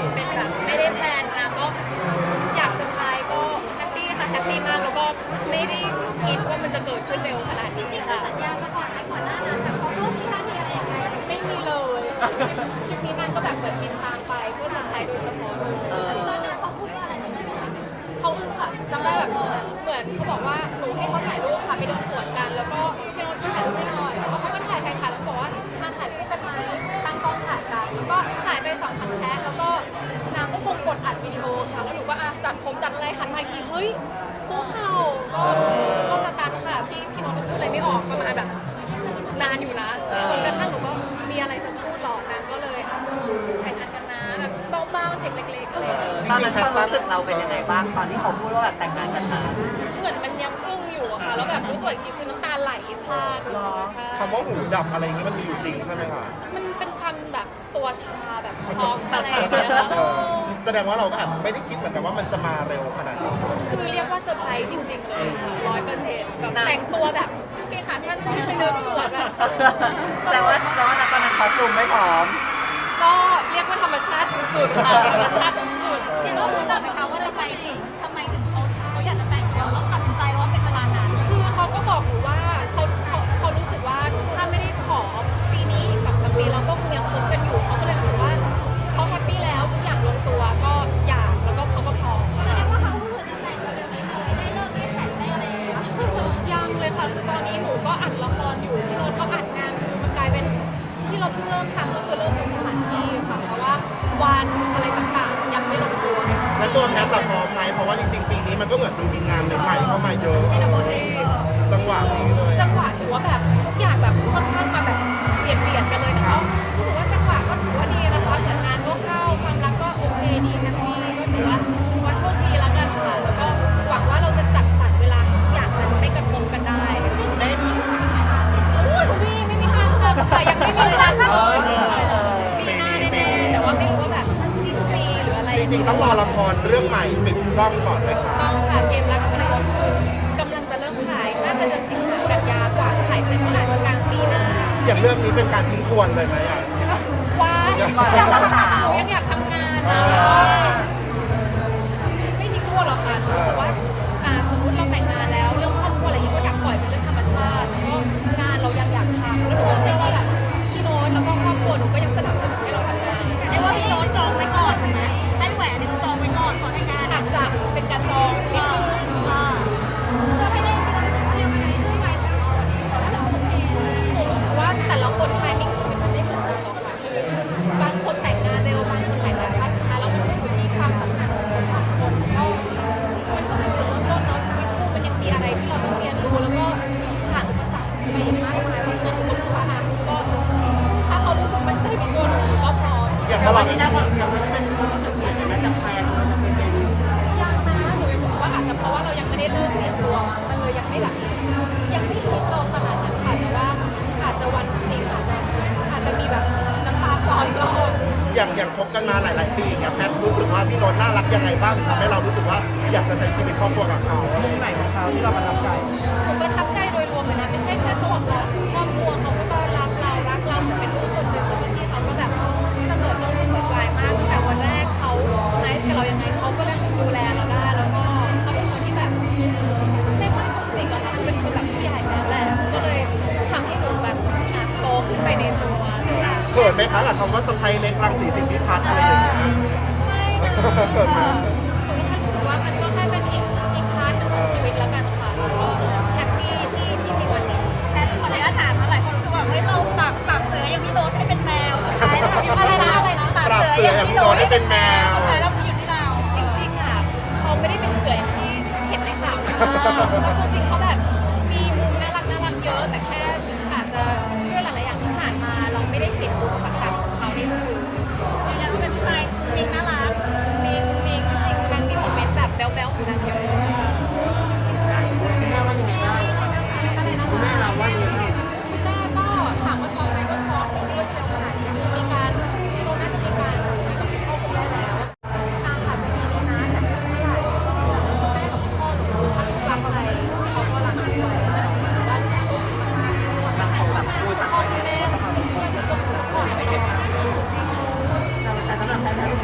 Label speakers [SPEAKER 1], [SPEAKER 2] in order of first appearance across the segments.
[SPEAKER 1] เป็นแบบไม่ได้แพลนนะก็อยากเซอร์ไพรส์ก็แฮปปี้ค่ะแฮปปี้มากแล้วก็ไม่ได้คิดว่ามันจะเกิดขึ้นเร็วขนาดนี้ค่ะ
[SPEAKER 2] สัญญามาก่อนไหมก่อนหน้านั้นแบบเขาพูดมีท่าทีอะไรยังไง
[SPEAKER 1] ไม่มีเลยทริปนี้นางก็แบบเหมือนบินตามไปเพื่อเซอร์ไพรส์โดยเฉพาะเลย
[SPEAKER 2] ตอนนั้นเขาพูดว่าอะไรจำได้ไหมคะ
[SPEAKER 1] เขาอึ้งค่ะจำได้แบบเหมือนเขาบอกว่าหนูให้เขาถ่ายรูปค่ะไปเดินสวนกันแล้วก็พี่โน้ตช่วยถ่ายรูปให้หน่อยแล้วเขาก็ถ่ายแล้วบอกว่ามาถ่ายคู่กันไหมตั้งกล้องถ่ายกันแล้วก็ถ่ายไป2-3แชทแล้วก็นางก็คงกดอัดวิดีโอค่ะแล้วหนูก็จัดผมจัดอะไรหันมาอีกทีเฮ้ยคู่เข่าก็สตันค่ะพี่โน้ตพูดอะไรไม่ออกประมาณแบบนานอยู่นะจนกระทั่งหนูก็มีอะไรจะพูดหรอกนางก็เลยแต่งงานกันนะแบบเบาๆเสียงเล็กๆอะไร
[SPEAKER 3] ตอนนั้นความรู้สึกเราเป็นยังไงบ้างตอนที่เขาพูดว่าแบบแต่งงานกันนะ
[SPEAKER 1] เหมือนมันยังอึ้งอยู่อะค่ะแล้วแบบรู้ตัวอีกทีคือน้ำตาไหลพรากใช่
[SPEAKER 4] คำว่าหูดับอะไรอย่างนี้มันมีอยู่จริงใช่ไหมคะ
[SPEAKER 1] มันเป็นความแบบตัวชาแบบช็อกอะไรอย่างเงี้ยค่ะ
[SPEAKER 4] แสดงว่าเราก็อาจไม่ได้คิดเหมือนกันว่ามันจะมาเร็วขนาดนี้
[SPEAKER 1] คือเรียกว่าเซอร์ไพรส์จริงๆเลยค่ะ100%แบบแต่งตัวแบบกางเกงขาสั้นใส่ไปเดินสวนแบบ
[SPEAKER 3] แต่ว่าตอนนั้นคอสตูมไม่พร้อม
[SPEAKER 1] ก็เรียกว่าธรรมชาติสุดๆค่ะธรรมชาติสุด
[SPEAKER 2] เห็นว่าคุณบอกไหมคะว่าทำไมถึงเขาอยากจะแต่งแล้วตัดสินใจว่าเป็นเวลานาน
[SPEAKER 1] ๆคือเขาก็บอกหนูว่าเขารู้สึกว่าถ้าไม่ได้ขอปีนี้อีก2-3 ปีเราก็คงยังคบกันอยู่เขาก็เลยรู้สึกว่าเขาแฮปปี้แล้วทุกอย่างลงตัวก็อยากแล้วก็เขาก็พร้อม
[SPEAKER 2] แสดงว่าเขาคือจะแต่งเร็วๆนี้ได้เลิกได้แต่งได้อะไรอย่างเงี้ย
[SPEAKER 1] ยังเลยค่ะคือตอนนี้หนูก็อัดละครอยู่พี่โน้ตก็อัดงานมันกลายเป็นที่เราเพิ่งเริ่มทำก็คือเริ่มดูสถานที่ค่ะเพราะว่าวันอะไรต่างๆยังไม่ลงตัว
[SPEAKER 4] และตัวแพทย์เราพร้อมไหมเพราะว่าจริงๆปีนี้มันก็เหมือนมีงานใหม่ๆเข้ามาเยอะจังหวะนี้เลย
[SPEAKER 1] จังหวะถือว่าแบบทุกอย่างแบบค่อนข้างมาแบบเบียดกันเลยแต่ก็รู้สึกว่าจังหวะก็ถือว่าดีนะคะเหมือนงานก็เข้าความรักก็โอเคดีแฮปปี้ก็ถือว่าโชคดีแล้วกันค่ะแล้วก็หวังว่าเราจะจัดสรรเวลาทุกอย่างมันไม่กระทบกันได้
[SPEAKER 2] ไม่มี
[SPEAKER 1] โอ้ยคุณพี่ไม่มีทางค่ะยังไม่มีเวลาเลยปีหน้าแน่ๆแต่ว่าไม่รู้ว่าแบบสิ้นปีหรืออะไร
[SPEAKER 4] จริงๆต้องรอละครเรื่องใหม่ปิดกล้องก่อนเลยค่ะ
[SPEAKER 1] ต้องค่ะเกมรักกับเรากำลังจะเริ่มถ่ายน่าจะเดือนสิงหากันยากว่าจะถ่ายเสร็จก็อาจจะกลางปีหน้า
[SPEAKER 4] อย่างเรื่องนี้เป็นการทิ้งทวนเลยไหมอ่ะ
[SPEAKER 1] ว้ายยังอยากทำงานนะแล้วก็ไม่ทิ้งตัวหรอกค่ะรู้สึกว่าสมมติเราแต่งงานแล้วเรื่องครอบครัวอะไรอย่างนี้ก็อยากปล่อยเป็นเรื่องธรรมชาติแล้วก็งานเรายังอยากทำแล้วหนูก็เชื่อว่าแบบพี่โน้ตแล้วก็ครอบครัวหนูก็ยังสนับสนุนให้เราทำงาน
[SPEAKER 2] เรียกว่าพี่โน้ตจองไว้ก่อนไหมให้แหวนนี่คือจองไว้ก่อนแต่งงาน
[SPEAKER 1] อาจจะเป็นการจองนิดนึง
[SPEAKER 2] เพื่อให้ได้ที่เรารู้สึกว่ายังไงด้วยไหมว่าเราโอเค
[SPEAKER 1] หนูรู้สึกว่าแต่ละคนไทมิ่งชีวิตมันไม่เหมือนกันหรอกค่ะคือบางคนแต่งงานเร็วบางคนแต่งงานช้าสุดท้ายแล้วมันก็อยู่ที่ความสัมพันธ์ของคนสองคนแล้วก็มันก็เป็นจุดเริ่มต้นเนาะชีวิตคู่มันยังมีอะไรที่เราต้องเรียนรู้แล้วก็ผ่านอุปสรรคไปอย่างมากมายเพราะฉะนั้นผมรู้สึกว่าก็ถ้าเขารู้สึกมั่นใจกับตัวหนูก็พร้อม
[SPEAKER 4] อย่างระหว่างนี้นะยังไม่เป็นรู้สึกเปลี่ยนไหมจากแฟน
[SPEAKER 1] ยังนะหนูยังรู้สึกว่าอาจจะเพราะว่าเรายังไม่ได้เริ่มเรียนตัวมันเลยยังไม่แบบยังไม่คิดเราขนาดนั้นค่ะแต่ว่าอาจจะวันจริงอาจจะมีแบบน้ำตาคลออีกรอบ
[SPEAKER 4] อย่างคบกันมาหลายๆปีอย่างแพทรู้สึกว่าพี่โน้ตน่ารักยังไงบ้างทำให้เรารู้สึกว่าอยากจะใช้ชีวิตครอบครัวกับเขา
[SPEAKER 3] มุมไหนของเขาที่เราประทับใจ
[SPEAKER 1] หนูประทับใจโดยรวมเลยนะไม่ใช่แค่ตัวเขาคือครอบครัวเขาก็ต้อนรับเรารักเราเหมือนเป็นลูกคนหนึ่งแล้วพี่เขาก็แบบเสมอต้นเสมอปลายมากตั้งแต่วันแรกเขาไนซ์กับเรายังไงเขาก็เริ่มดูแลเราได้แล้วก็เขาเป็นคนที่แบบไม่ค่อยจุกจิกอะค่ะเป็นคนแบบผู้ใหญ่แล้วแหละก็เลยทำให้หนูแบบโตขึ้นไปในตัว
[SPEAKER 4] เขินไหมคะกับคำว่าสะใภ้เล็กรังสีสิทธิพัฒน์อะไรอย่างเงี้ย
[SPEAKER 1] ไม่นะหนูแค่รู้สึกว่ามันก็แค่เป็นอีกพาร์ทหนึ่งของชีวิตแล้วกันค่ะก็แฮปปี้ที่มีวันนี้
[SPEAKER 2] แค่เป็นคนเลยอาถรรพ์มาหลายคนรู้สึกว่าเฮ้ยเราปรับเสืออย่างพี่โน้ตให้เป็นแมวสุดท้ายแล้ว
[SPEAKER 1] อะไรนะ
[SPEAKER 4] ปรับเสืออย่างพี่โน้ตให้เป็นแมว
[SPEAKER 2] สุดท้ายแล้วมันอยู่ที่เรา
[SPEAKER 1] จริงๆอ่ะเขาไม่ได้เป็นเสืออย่างที่เห็นในข่าวนะตัวจริงเขาแบบมีมุมน่ารักเยอะแต่แค่อาจจะด้วยหลายๆอย่างที่ผ่านมาเราไม่ได้เห็นมุมต่างๆของเขาในสื่อ
[SPEAKER 2] อย่างนั้นเป็นผู้ชายมิงน่ารัก
[SPEAKER 1] มีจริงๆนางมีโมเมนต์แบบแบ๊วๆของนางเยอะ
[SPEAKER 3] คุณแม่ว่ายังไงบ้างคุณแม่เราว่ายังไงบ้าง
[SPEAKER 1] คุณแม่ก็ถามว่าช็อกไหมก็ช็อกไม่คิดว่าจะเร็วขนาดนี้มีการเราน่าจะมีการคุยกับพ่อคุณแม่แล้วอาจจะมีดีนะแต่ไม่เท่าไหร่แม่กับพ่อหนูรักใครเขาก็รักด้วยและหนูว่าจะโชคดีมาก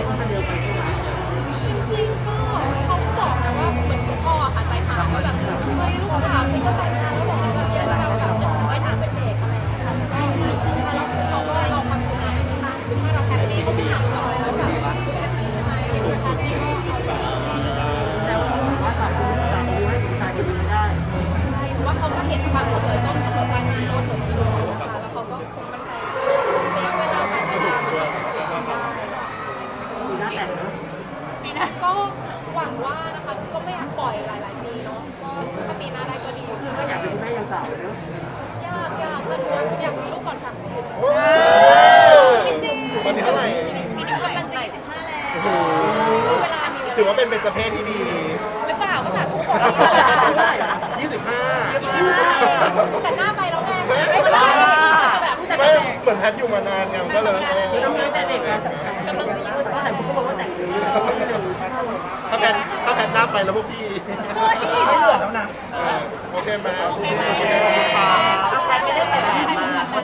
[SPEAKER 3] คิดว่ามันเร็วไปใช่ไหม
[SPEAKER 1] จริงๆก็เขาบอกนะว่าเหมือนคุณพ่อค่ะใจหายว่าแบบเฮ้ยลูกสาวฉันก็แต่งงานแล้วบอกว่าแบบยังจะแบบยังไม่ถามเป็นเด็กอะไรอย่างเงี้ยค่ะแล้วเขาก็เราความสุขมาที่ตั้งถ้าเราแฮปปี้เขาไม่ถามเราแล้วแบบว่าแฮปปี้ใช่ไหมยังแฮปปี้ก็เอา
[SPEAKER 3] แต่ว่าว่าต่อคุณจากคุณให้ผู้ชายคนนี้ได้
[SPEAKER 1] ใช่หนูว่าเขาก็เห็นความเสมอต้นเสมอปลายของเราเกิดที่ดูค่ะแล้วเขาก็คงมั่นใจระยะเวลาการเวลาได้
[SPEAKER 3] มีหน้าแต่งนะ
[SPEAKER 1] ก็หวังว่านะคะก็ไม่อยากปล่อยหลายๆปีเนาะก็ถ้าปีหน้าได้ก็ดี
[SPEAKER 3] คือก็อยากเป็นคุณแม่ยังสาวเลยเนาะ
[SPEAKER 1] อยากค่ะหนูอยากมีลูกก่อน30จริงๆ
[SPEAKER 4] ตอนนี้เท่าไหร่
[SPEAKER 1] กำลังจะ25แล้วเวลามี
[SPEAKER 4] ถือว่าเป็นเบญจเพศที่ดี
[SPEAKER 1] หรือเปล่าก็สาธุขอ
[SPEAKER 4] 25
[SPEAKER 1] แต่หน้าไปแล้วไง
[SPEAKER 4] ไม่เหมือนแพทย์อยู่มานานไงมันก็เลย
[SPEAKER 3] ทำงานแต่เด็กอะ
[SPEAKER 1] กำลังจะ25
[SPEAKER 3] ก็แต่คุณก็บอกว่าแต่งเลย
[SPEAKER 4] ถ้าแพทย์หน้าไปแล้วพวกพี่
[SPEAKER 3] ไม่เหลือแล้วนะ
[SPEAKER 4] โอเคไหมโอเคขอบคุณค่ะ
[SPEAKER 3] เอาใครไม่ได้ใส่แหวน